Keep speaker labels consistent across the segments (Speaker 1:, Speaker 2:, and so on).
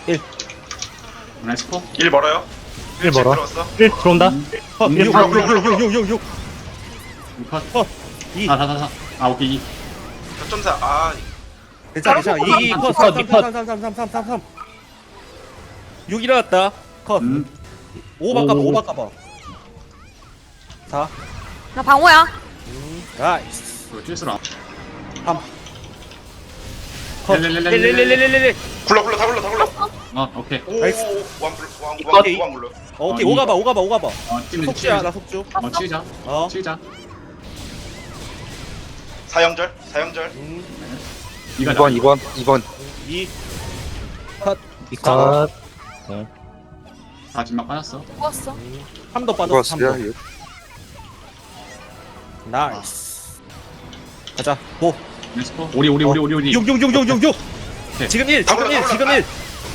Speaker 1: 1
Speaker 2: 렛츠고.
Speaker 3: 1 멀어요.
Speaker 1: 1 멀어
Speaker 3: 들어왔어.
Speaker 1: 1 들어온다 컷 6
Speaker 3: 불러, 불러, 불러, 불러.
Speaker 1: 6 6 6
Speaker 2: 컷.
Speaker 1: 2
Speaker 2: 다다다다. 아 오케이 2.
Speaker 3: 4.4. 아,
Speaker 1: 괜찮아 괜찮아 2 컷 3 3 3 3 3 3 3 3 3 6 일어났다 컷
Speaker 2: 음.
Speaker 1: 5 바꿔봐
Speaker 2: 오.
Speaker 1: 5 바꿔봐 4
Speaker 4: 나 방어야.
Speaker 1: 나이스
Speaker 2: 이거 찔수라.
Speaker 1: 3 컷
Speaker 2: 렐렐렐렐렐렐.
Speaker 1: 1
Speaker 3: 굴러, 굴러, 다 굴러, 다 굴러.
Speaker 2: 오케이.
Speaker 3: 오,
Speaker 1: 나이스.
Speaker 3: 왕 불러, 왕
Speaker 1: 오케이.
Speaker 3: 불러.
Speaker 1: 오케이
Speaker 2: 어,
Speaker 1: 5 가봐 5 가봐 5 가봐
Speaker 2: 찔리자.
Speaker 1: 속주야 나 속주
Speaker 2: 치자.
Speaker 1: 어
Speaker 2: 치자.
Speaker 3: 사형절, 사형절.
Speaker 2: 이가
Speaker 5: 2번
Speaker 1: 2 컷
Speaker 5: 컷
Speaker 2: 다 진막 빠졌어.
Speaker 4: 죽었어.
Speaker 1: 3도 빠졌어 3도
Speaker 5: 이거
Speaker 1: 나이스 가자 고
Speaker 2: 렛츠고. 오리.
Speaker 1: 6 6 6 6 6 6
Speaker 2: 오케이.
Speaker 1: 지금 1 지금 1 지금 1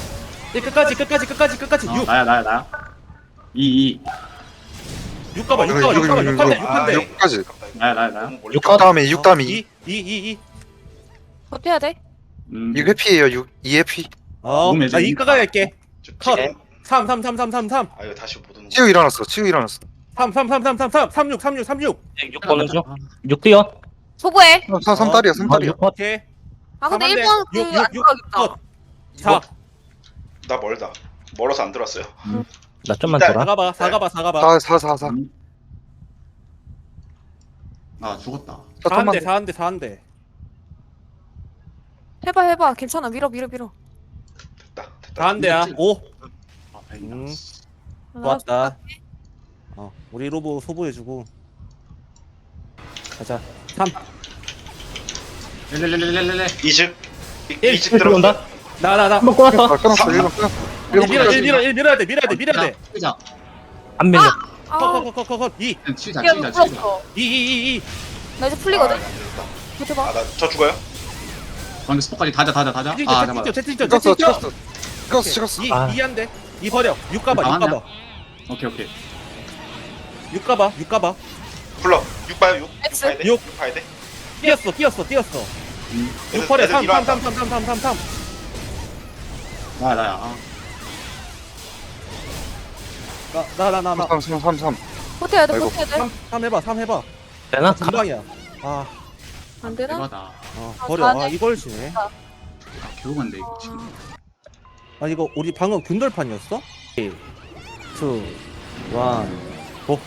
Speaker 1: 끝까지 6
Speaker 2: 나야. 2.
Speaker 1: 6 가봐 6
Speaker 5: 이거,
Speaker 1: 가봐 6
Speaker 5: 이거,
Speaker 1: 가봐
Speaker 5: 이거,
Speaker 1: 6 한대
Speaker 5: 이거.
Speaker 1: 6 한대
Speaker 5: 6까지
Speaker 2: 나야.
Speaker 5: 6 다음에 6 다음에 2
Speaker 1: 2
Speaker 4: 버텨야 돼.
Speaker 5: 6 회피에요 2 회피
Speaker 2: 몸에
Speaker 1: 나 2 가갈게 컷
Speaker 3: 지금.
Speaker 1: 3 3 3 3 3 3
Speaker 3: 아, 이거 다시 못 오는 거.
Speaker 5: 치우 일어났어
Speaker 1: 3 3 3 3 3 3 36 36 36
Speaker 2: 6 보는 중.
Speaker 6: 6 뛰어.
Speaker 4: 소부해.
Speaker 5: 3달이야 3달이야
Speaker 1: 오케이
Speaker 4: 아 근데
Speaker 1: 3
Speaker 4: 1번
Speaker 1: 육,
Speaker 4: 그안
Speaker 1: 육, 육.
Speaker 4: 들어가겠다.
Speaker 1: 4
Speaker 3: 나 멀다. 멀어서 안 들어왔어요.
Speaker 6: 나 좀만
Speaker 3: 일단
Speaker 6: 돌아.
Speaker 1: 4 가봐 4 가봐 4 가봐
Speaker 5: 4
Speaker 2: 아 죽었다.
Speaker 1: 4
Speaker 5: 잠깐만
Speaker 1: 한대 4 한대 4 한대
Speaker 4: 해봐. 괜찮아. 밀어.
Speaker 3: 됐다.
Speaker 1: 4 한대야 5
Speaker 2: 아 다행이다.
Speaker 1: 좋았다 우리 로보 소부해주고 가자 3
Speaker 2: 렐렐렐렐렐렐.
Speaker 3: 이직.
Speaker 1: 1
Speaker 3: 이직 들어온다.
Speaker 1: 나나나
Speaker 6: 한번 꼬았어.
Speaker 5: 끊었어 1번 끊었어
Speaker 1: 밀어야 돼 밀어야 돼
Speaker 2: 치자.
Speaker 6: 안 밀려.
Speaker 4: 아,
Speaker 1: 컷컷컷컷 2
Speaker 2: 치자.
Speaker 4: 야, 풀었어.
Speaker 1: 2
Speaker 4: 나 이제 풀리거든.
Speaker 3: 아, 됐다.
Speaker 4: 버텨봐.
Speaker 3: 아, 나 저 죽어요?
Speaker 2: 방금 스포까지 다자. 아 잠깐만.
Speaker 1: 채팅쳐
Speaker 5: 찍었어
Speaker 1: 2
Speaker 6: 아.
Speaker 1: 2 한대 2 버려 6 가봐 6 가봐
Speaker 2: 오케이.
Speaker 1: 6 가봐 6 가봐
Speaker 3: 굴러. 6 봐요, 6.
Speaker 4: X.
Speaker 3: 봐야 돼.
Speaker 1: 육.
Speaker 3: 6 봐야 돼.
Speaker 1: 뛰었어 6 버려 3
Speaker 2: 나야.
Speaker 1: 나나나나
Speaker 5: 3
Speaker 4: 버텨야 돼.
Speaker 5: 아이고.
Speaker 4: 버텨야 돼.
Speaker 1: 3 해봐 3 해봐
Speaker 6: 되나?
Speaker 1: 금방이야 아
Speaker 4: 안 되나?
Speaker 2: 대박다.
Speaker 1: 버려
Speaker 4: 사네.
Speaker 1: 이걸 지네
Speaker 2: 아 겨우간데 이거 지금.
Speaker 1: 아 이거 우리 방금 균돌판이었어? 1 2 1 고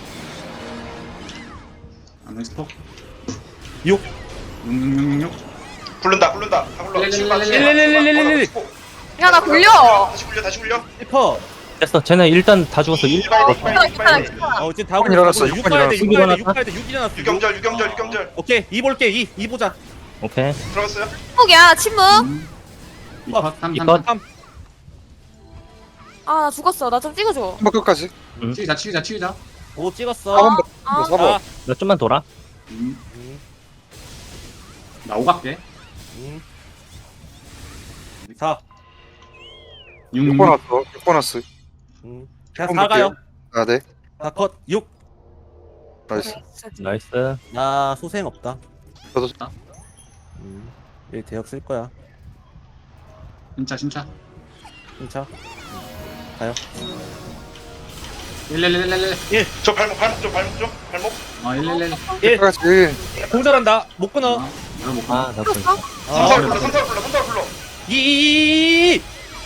Speaker 2: 안 스포.
Speaker 1: 6
Speaker 2: 6.
Speaker 3: 굴른다. 다 굴러. 지금 봐.
Speaker 1: 렐렐렐렐렐렐렐.
Speaker 4: 야 나 굴려.
Speaker 3: 다시 굴려.
Speaker 1: 1퍼
Speaker 6: 됐어. 쟤네 일단 다 죽었어. 1
Speaker 3: 봐야 돼.
Speaker 4: 괜찮아.
Speaker 1: 지금 다
Speaker 5: 일어났어,
Speaker 1: 6
Speaker 5: 육번
Speaker 1: 가야 돼 6 가야 돼 6
Speaker 6: 일어났어.
Speaker 1: 가야 돼 6 일어났어
Speaker 3: 유경절.
Speaker 1: 오케이 2 볼게 2 보자
Speaker 6: 오케이.
Speaker 3: 들어갔어요?
Speaker 4: 침묵이야. 침묵.
Speaker 2: 2컷 3.
Speaker 6: 이컷.
Speaker 1: 3
Speaker 4: 아 나 죽었어. 나 좀 찍어줘.
Speaker 5: 3번 끝까지
Speaker 2: 치자.
Speaker 1: 5 찍었어
Speaker 5: 4번
Speaker 6: 나 좀만 돌아.
Speaker 2: 나 오각게.
Speaker 1: 4
Speaker 5: 6번 왔어 6번 왔어
Speaker 1: 자 4 가요
Speaker 5: 아네
Speaker 1: 4컷 6
Speaker 5: 나이스
Speaker 6: 나이스.
Speaker 1: 나 소생 없다
Speaker 5: 저도
Speaker 1: 1 대역 쓸 거야
Speaker 2: 진짜.
Speaker 1: 진짜 가요
Speaker 2: 렐렐렐렐렐.
Speaker 3: 저 발목 좀. 발목.
Speaker 2: 아 111.
Speaker 1: 1
Speaker 5: 끝까지
Speaker 1: 공절한다 못 끊어
Speaker 2: 이거 못
Speaker 6: 아, 나 그.
Speaker 4: 풀었어?
Speaker 3: 3타로 불러.
Speaker 1: 2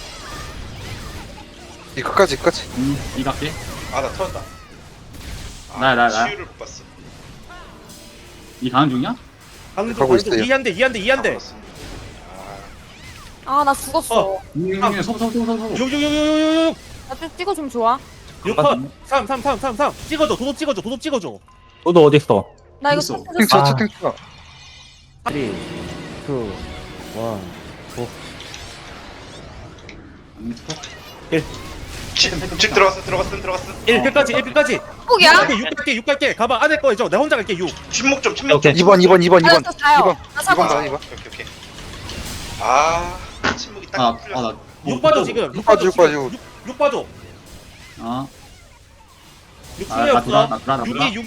Speaker 5: 이 끝까지
Speaker 2: 이각게.
Speaker 3: 아, 나 터졌다.
Speaker 2: 나.
Speaker 3: 치유를 못 봤어.
Speaker 2: 이 가는 중이야?
Speaker 1: 방금
Speaker 5: 가고 있어요.
Speaker 1: 2 한대 2 한대 2 한대
Speaker 4: 아 나 죽었어.
Speaker 2: 서부.
Speaker 1: 6 6 6 6 6
Speaker 4: 나 좀 찍어주면 좋아.
Speaker 1: 6컷 3 찍어줘 도도 찍어줘
Speaker 6: 너도 어디 있어?
Speaker 4: 나 이거
Speaker 2: 있어.
Speaker 4: 쳤어.
Speaker 5: 채팅 쳐
Speaker 1: 3 2 1
Speaker 3: 집 들어갔어.
Speaker 1: 1 끝까지 1 끝까지
Speaker 4: 침묵이야?
Speaker 1: 6 갈게 가봐 안에 거 해줘 내가 혼자 갈게 6
Speaker 3: 침묵 좀.
Speaker 5: 2번
Speaker 6: 오케이.
Speaker 5: 2번
Speaker 4: 나 4요. 나
Speaker 5: 2번
Speaker 4: 4번.
Speaker 5: 나 2번
Speaker 3: 오케이. 아, 침묵이 딱 풀렸어.
Speaker 1: 6 빠져 지금
Speaker 5: 6 빠져 6 빠져
Speaker 1: 6 빠져
Speaker 2: 아
Speaker 1: 6
Speaker 2: 나
Speaker 1: 풀려 없어
Speaker 2: 돌아.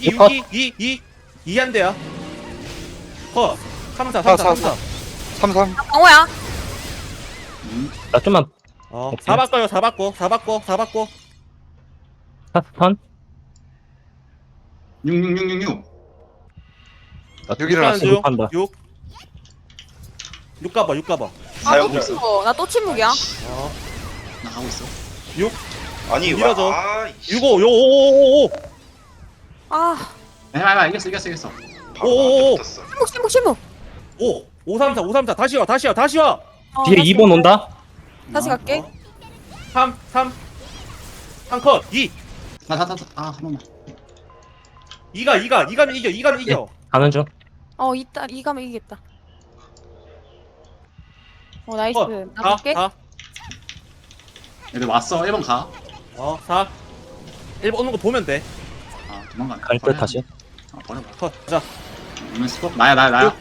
Speaker 1: 2 한대야 컷 3 4
Speaker 5: 33
Speaker 4: 방어야.
Speaker 6: 나 좀만 오케이.
Speaker 1: 4 바꿔요 4 바꿔 4 바꿔 4 바꿔
Speaker 6: 스턴.
Speaker 2: 666666.
Speaker 5: 여기 일어났어.
Speaker 6: 한다.
Speaker 1: 6 가봐 6 가봐
Speaker 3: 사형절.
Speaker 4: 나또 침묵이야.
Speaker 2: 나 가고 있어.
Speaker 3: 아니
Speaker 1: 밀어줘.
Speaker 3: 와.
Speaker 1: 6 5 요 5 5 5
Speaker 4: 아,
Speaker 2: 해봐 이겼어.
Speaker 1: 오오오.
Speaker 4: 침묵.
Speaker 1: 5 5 3 4 5 3 4 다시 와 다시 와
Speaker 6: 뒤에 2번 온다.
Speaker 4: 다시 갈게.
Speaker 1: 3 컷 2
Speaker 2: 한 번만.
Speaker 1: 2가면 이겨
Speaker 6: 가는 중.
Speaker 4: 이따 이 가면 이기겠다. 나이스.
Speaker 1: 컷
Speaker 4: 나
Speaker 1: 4
Speaker 4: 갈게.
Speaker 1: 4
Speaker 2: 얘들 왔어. 1번 가.
Speaker 1: 4 1번 오는 거 보면 돼
Speaker 2: 아 도망가.
Speaker 6: 갈 듯 다시.
Speaker 2: 아 버려.
Speaker 1: 컷 자
Speaker 2: 오늘 스톱. 나야.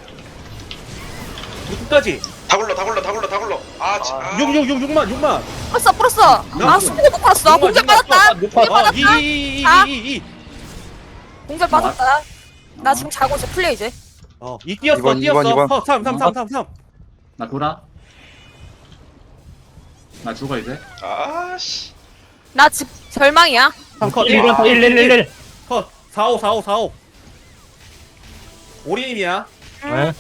Speaker 1: 6까지
Speaker 3: 다 굴러. 아,
Speaker 1: 6만
Speaker 4: 풀었어. 스피드 못 풀었어. 공절 빠졌다. 공절 빠졌다.
Speaker 1: 2
Speaker 4: 공절 빠졌다. 나 지금 자고 있어. 플레이 이제.
Speaker 1: 2 뛰었어
Speaker 5: 이번,
Speaker 1: 뛰었어
Speaker 5: 이번.
Speaker 1: 3
Speaker 2: 나 돌아. 나 죽어 이제.
Speaker 3: 아씨.
Speaker 4: 나 지금 절망이야.
Speaker 1: 3컷
Speaker 6: 1
Speaker 1: 컷 4 5 올인이야
Speaker 6: 네.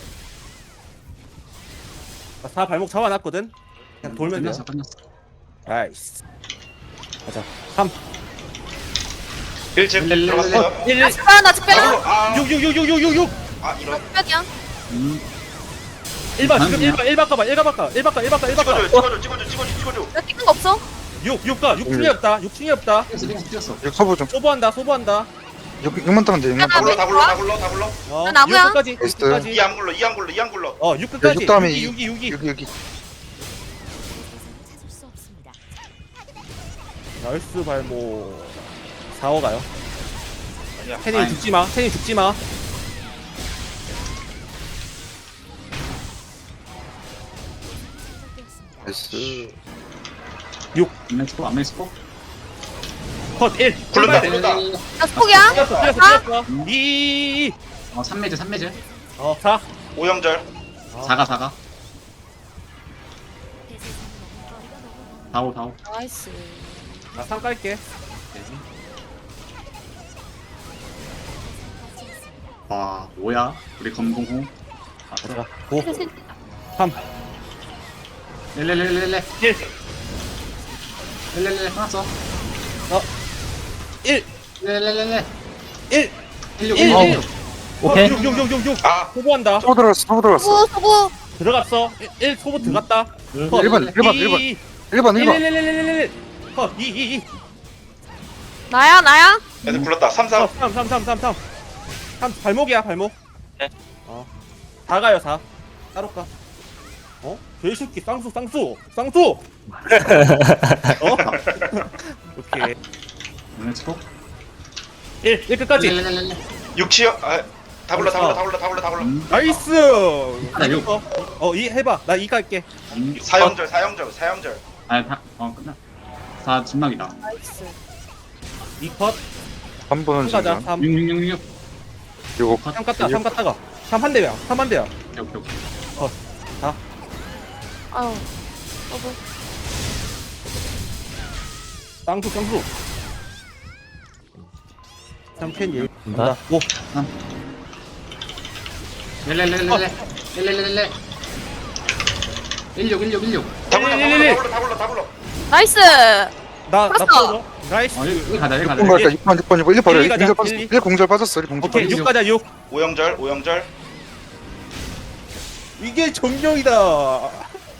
Speaker 1: 4 발목 잡아놨거든 그냥 돌면 돼
Speaker 2: 끝났어.
Speaker 1: 나이스 가자 3
Speaker 3: 1집
Speaker 2: 렐렐렐렐.
Speaker 3: 들어갔어요.
Speaker 1: 1
Speaker 4: 나 집배야. 나 집배야.
Speaker 3: 아,
Speaker 1: 6
Speaker 3: 아 이런.
Speaker 4: 집배야.
Speaker 1: 1바 지금 1바 바꿔봐 1바 바꿔
Speaker 3: 찍어줘.
Speaker 4: 나 찍는 거 없어?
Speaker 1: 6가 6충이 없다 6충이 없다
Speaker 2: 뛰었어.
Speaker 5: 여기 소부 좀.
Speaker 1: 소부한다
Speaker 5: 6만 따면 돼. 6만
Speaker 3: 다
Speaker 5: 따면
Speaker 3: 굴러.
Speaker 4: 나 나무야.
Speaker 1: 6끝까지
Speaker 5: 나이스.
Speaker 1: 6끝까지
Speaker 3: 이 안 굴러.
Speaker 1: 6끝까지
Speaker 5: 육 다음에
Speaker 1: 6이
Speaker 5: 여기.
Speaker 1: 나이스 발목 4호 가요
Speaker 3: 아니야.
Speaker 1: 태닝 죽지마
Speaker 5: 나이스.
Speaker 2: 안면 스톱.
Speaker 1: 컷 1
Speaker 3: 굴른다.
Speaker 4: 나 스폭이야.
Speaker 1: 뛰었어 2
Speaker 2: 3매즈.
Speaker 1: 4
Speaker 3: 오영절.
Speaker 2: 4가. 4호.
Speaker 4: 나이스.
Speaker 1: 나 3 깔게
Speaker 2: 와 뭐야? 우리 검공호.
Speaker 1: 자 5 3
Speaker 2: 렐렐렐렐렐.
Speaker 1: 1
Speaker 2: 렐렐렐 끝났어.
Speaker 1: 1
Speaker 2: 렐렐렐렐.
Speaker 1: 1
Speaker 2: 16.
Speaker 1: 1
Speaker 6: 오케이.
Speaker 1: 6
Speaker 3: 아,
Speaker 1: 소부한다
Speaker 5: 소부 들어갔어.
Speaker 4: 소부.
Speaker 1: 들어갔어 1 소부 들어갔다 컷
Speaker 5: 1번.
Speaker 1: 1 컷 2
Speaker 4: 나야.
Speaker 3: 애들 굴렀다. 3
Speaker 1: 3 발목이야 발목
Speaker 6: 네.
Speaker 1: 4 가요 4 따로 가 개새끼 쌍수 오케이
Speaker 2: 안면 스톱.
Speaker 1: 1 끝까지
Speaker 2: 렐렐렐렐.
Speaker 3: 6치요. 아, 다 굴러.
Speaker 1: 나이스
Speaker 2: 나 육.
Speaker 1: 2 해봐 나 2 갈게
Speaker 3: 사형절.
Speaker 2: 끝나. 4 진막이다.
Speaker 4: 나이스.
Speaker 1: 2컷
Speaker 5: 3번은
Speaker 1: 3 가자
Speaker 5: 지금.
Speaker 1: 3
Speaker 2: 6.
Speaker 5: 요거
Speaker 1: 3 갔다가 3 한 대야
Speaker 2: 오케이.
Speaker 4: 아유. 소부.
Speaker 1: 쌍수 3캔 얘
Speaker 6: 간다.
Speaker 1: 5
Speaker 2: 렐렐렐렐렐. 16.
Speaker 3: 다 굴러.
Speaker 4: 나이스.
Speaker 1: 나
Speaker 4: 풀었어.
Speaker 1: 풀어줘 나이스
Speaker 2: 여기 가자.
Speaker 5: 6번 갈까? 6번. 1 버려.
Speaker 1: 일 가자,
Speaker 5: 1 공절 빠졌어. 1 공절
Speaker 1: 오케이
Speaker 5: 빠졌어.
Speaker 1: 6 가자 6
Speaker 3: 오영절.
Speaker 1: 이게 정령이다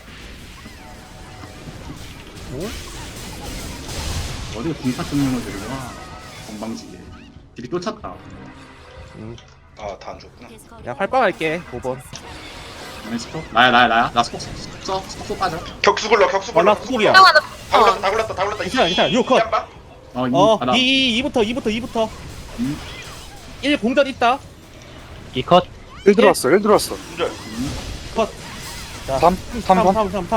Speaker 2: 어디가 공파 쪽면을 들고 와. 건방지게. 딜이 쫓았다.
Speaker 3: 아, 다 안 죽었구나.
Speaker 1: 야 활빵 할게 5번
Speaker 2: 안면 스톱. 나야. 나 스톱 빠져.
Speaker 3: 격수 굴러.
Speaker 1: 나 수국이야
Speaker 3: 다 굴렀다.
Speaker 1: 괜찮아, 6 컷.
Speaker 3: 한 방.
Speaker 1: 2부터
Speaker 2: 음.
Speaker 1: 1 공전 있다
Speaker 6: 2컷.
Speaker 5: 1 들어왔어.
Speaker 3: 공절.
Speaker 1: 자
Speaker 5: 3 번.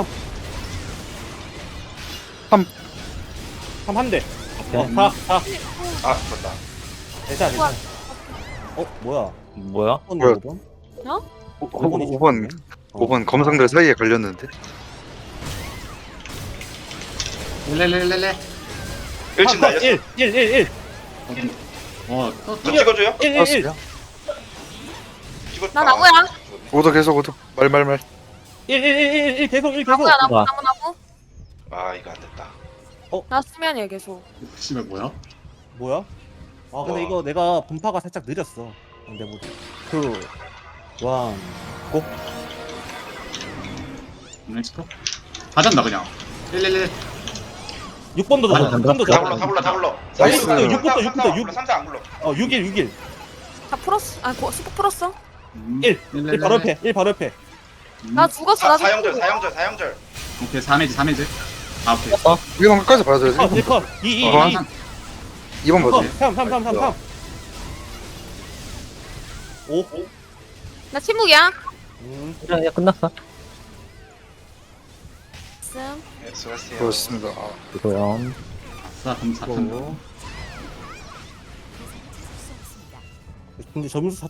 Speaker 1: 3 한대
Speaker 6: 오케이.
Speaker 1: 4
Speaker 3: 아, 그렇다.
Speaker 1: 괜찮아 뭐야
Speaker 6: 뭐야?
Speaker 5: 뭐야?
Speaker 1: 5번?
Speaker 5: 5번 검성들 사이에 걸렸는데.
Speaker 2: 렐렐렐렐레.
Speaker 3: 1침 날렸어.
Speaker 1: 1
Speaker 2: 또
Speaker 3: 저 찍어줘요?
Speaker 1: 1
Speaker 5: 알았어요.
Speaker 3: 찍어.
Speaker 4: 나 나무야.
Speaker 5: 오더 계속 오더. 말말말.
Speaker 1: 1 계속
Speaker 4: 나무야 나무
Speaker 6: 와.
Speaker 4: 나무.
Speaker 3: 아 이거 안 됐다.
Speaker 4: 나 수면이야 계속.
Speaker 2: 씨발 뭐야?
Speaker 1: 뭐야? 아 근데
Speaker 3: 와.
Speaker 1: 이거 내가 분파가 살짝 느렸어. 근데 뭐 원 고.
Speaker 2: 엑스포? 가잔다 그냥. 렐렐렐.
Speaker 1: 6번도
Speaker 6: 맞아,
Speaker 1: 잡아.
Speaker 6: 맞아.
Speaker 1: 6번도
Speaker 3: 다 굴러
Speaker 1: 잡아.
Speaker 3: 다 굴러 다 굴러.
Speaker 5: 나이스.
Speaker 1: 6부터
Speaker 3: 3사 안 굴러.
Speaker 1: 6일
Speaker 4: 다 풀었어. 아 스포 풀었어.
Speaker 1: 1 바로 옆에 1 바로 옆에.
Speaker 4: 나 죽었어. 나
Speaker 3: 사형절
Speaker 4: 죽었어.
Speaker 3: 사형절 사형절.
Speaker 2: 오케이 3해지. 아 오케이.
Speaker 5: 이건 끝까지 봐야 돼.
Speaker 1: 1 컷 2
Speaker 2: 어, 항상
Speaker 5: 2번
Speaker 1: 컷
Speaker 5: 보지.
Speaker 1: 3 5
Speaker 4: 나 침묵이야.
Speaker 6: 야, 끝났어.
Speaker 4: 씀.
Speaker 3: 네, 수고하세요.
Speaker 5: 그렇습니다.
Speaker 6: 이거요.
Speaker 2: 아싸 그럼 4탄.
Speaker 1: 근데 점수